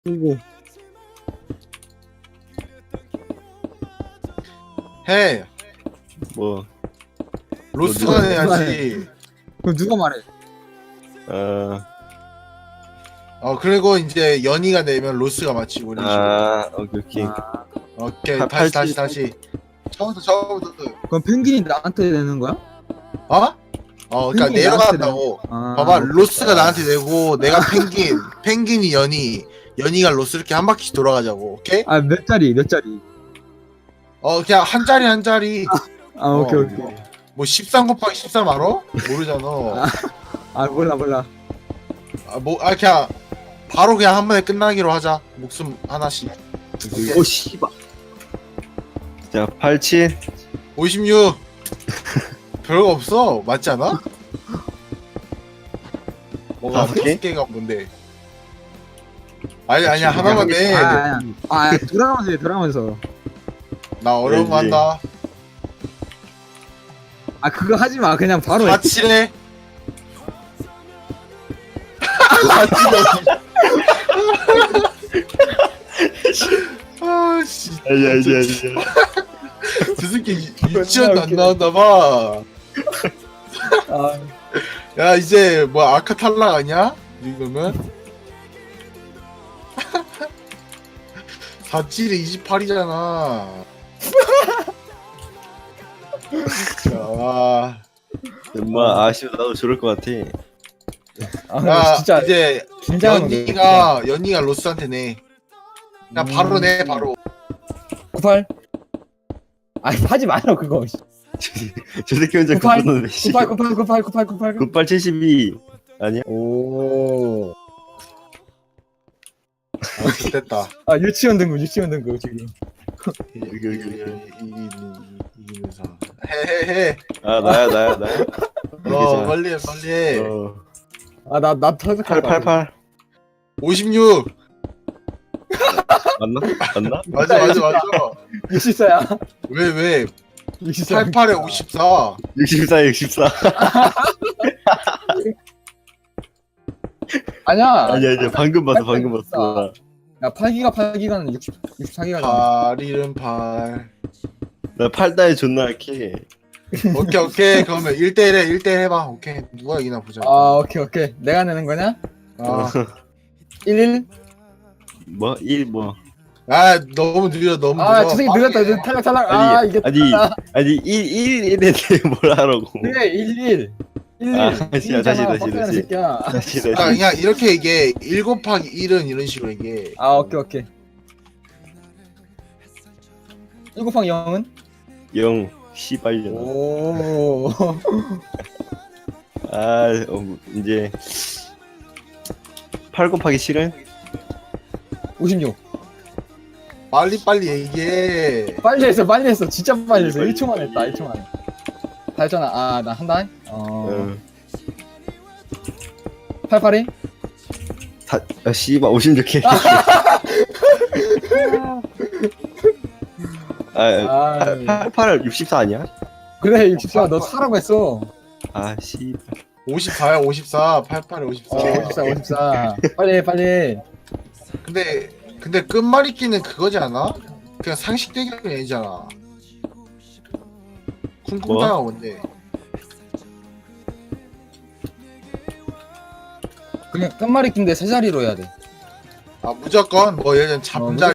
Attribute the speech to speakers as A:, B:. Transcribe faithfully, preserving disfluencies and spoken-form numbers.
A: 오고.
B: 해.
C: 뭐,
B: 로스가
C: 누가
B: 내야지.
A: 그럼 누가 말해?
C: 어,
B: 어 그리고 이제 연희가 내면 로스가 맞히고 이런 식으로.
C: 아, 오케이, 오케이.
A: 아,
B: 오케이
C: 팔-
B: 다시 다시
C: 팔찌.
B: 다시. 처음부터 처음부터.
A: 그럼 펭귄이 나한테 내는 거야?
B: 어? 어 그러니까
A: 펭귄이
B: 내려간다고.
A: 아,
B: 봐봐
A: 오케이.
B: 로스가 나한테 내고 내가 펭귄, 펭귄이 연희, 연희가 로스 이렇게 한 바퀴 돌아가자고. 오케이?
A: 아, 몇 자리, 몇 자리?
B: 어 그냥 한 자리 한 자리.
A: 아, 오케이,
B: 어,
A: 오케이.
B: 뭐 십삼 곱하기 십삼 알아? 모르잖아.
A: 아, 몰라, 몰라.
B: 아, 뭐, 아, 그냥, 바로 그냥 한 번에 끝나기로 하자. 목숨 하나씩.
A: 오, 씨발.
C: 자, 팔칠.
B: 오십육. 별거 없어. 맞지 않아? 뭐가
C: 다섯 개?
B: 다섯 개가 뭔데? 아니, 아니야. 하나만 내.
A: 아, 아, 아, 아, 돌아가면서 해, 돌아가면서.
B: 나 어려운 거
C: 왠지.
B: 한다.
A: 아, 그거 하지 마. 그냥 바로 해.
B: 사, 칠에. 아, 씨.
C: 아니, 아니, 아니.
B: 저 새끼 유- 유치원도 안 나왔나봐.
A: 아,
B: 야, 이제 뭐 아카 탈락 아니야? 이거면? 사, 칠에 이십팔이잖아. 자,
C: 엄마, 아쉬워. 나도 저럴 것 같아.
A: 아,
B: 야,
A: 진짜
B: 이제
A: 긴장하는 거.
B: 연희가 연희가 로스한테 내. 그냥 바로 내 바로.
A: 구십팔. 아, 하지 마요, 그거.
C: 저 새끼 혼자
A: 구팔,
C: 급했는데.
A: 구십팔, 구십팔, 구십팔, 구십팔, 구십팔.
C: 굿발 칠십이. 아니야?
A: 오.
B: 아, 됐다.
A: 아, 유치원 등급, 유치원 등급, 지금.
C: 여기, 여기, 여기.
B: 이기는 이기면서. 해해해.
C: 아, 나야, 나야, 나야.
B: 어, 빨리 해, 빨리 해.
C: 어,
A: 아, 나, 나 터득할 것 같아.
C: 팔팔팔.
B: 오십육.
C: 맞나? 맞나?
B: 맞아, 맞아, 맞아.
A: 육십사야.
B: 왜 왜?
A: 육십사.
B: 팔십팔에 오십사.
C: 육십사, 육십사.
A: 아니야.
C: 아니, 아니, 방금 봤어, 방금 봤어.
A: 야, 팔 기가 팔 기가는 육십, 육십사 기가잖아.
B: 팔일은 팔.
C: 나 팔다에 존나 할게.
B: 오케이, 오케이. 그러면 일 대일에 일 대 해봐. 오케이. 누가 이기나 보자.
A: 아, 오케이, 오케이. 내가 내는 거냐?
B: 아,
A: 일,
C: 뭐? 일, 뭐.
B: 아 너무 느려, 너무
A: 아,
B: 느려.
A: 저 새끼
B: 빠르게
A: 늦었다.
B: 해.
A: 이제 탈락, 탈락. 아,
C: 아니,
A: 이게.
C: 아니, 아니, 일, 일, 일에 대해 뭘 하라고.
A: 그래, 일, 일. 일,
C: 아,
A: 일.
C: 다시,
A: 일이잖아,
C: 다시, 다시,
A: 빡대가리
C: 다시.
A: 새끼야.
C: 다시,
B: 아,
C: 다시.
B: 그냥 이렇게 얘기해. 일 곱하기 일은 이런 식으로 얘기해.
A: 아, 오케이, 오케이. 일 곱하기 영은?
C: 영, 씨발년.
A: 오.
C: 아, 어, 이제. 팔 곱하기 칠은?
A: 오십육.
B: 빨리 빨리 얘기해.
A: 빨리 했어, 빨리 했어. 진짜 빨리 했어.
C: 빨리,
A: 일 초만
C: 빨리.
A: 했다, 일 초 만에. 다 했잖아. 아, 나 한다. 어.
C: 어.
A: 팔팔이?
C: 다, 아, 씨발, 오십육 개. 아,
A: 아,
C: 팔, 팔, 육십사 아니야?
A: 그래, 육십사. 너 사라고 했어.
C: 아, 씨발.
B: 오십사야, 오십사. 팔십팔에 오십사.
A: 어, 오십사, 오십사. 빨리 해, 빨리 해.
B: 근데 근데 끝말잇기는 그거지 않아? 그냥 상식 대결 얘기잖아. 쿵쿵따가 뭔데?
A: 그냥 끝말잇기인데 세 자리로 해야 돼.
B: 아 무조건 뭐 예를 들면 잠자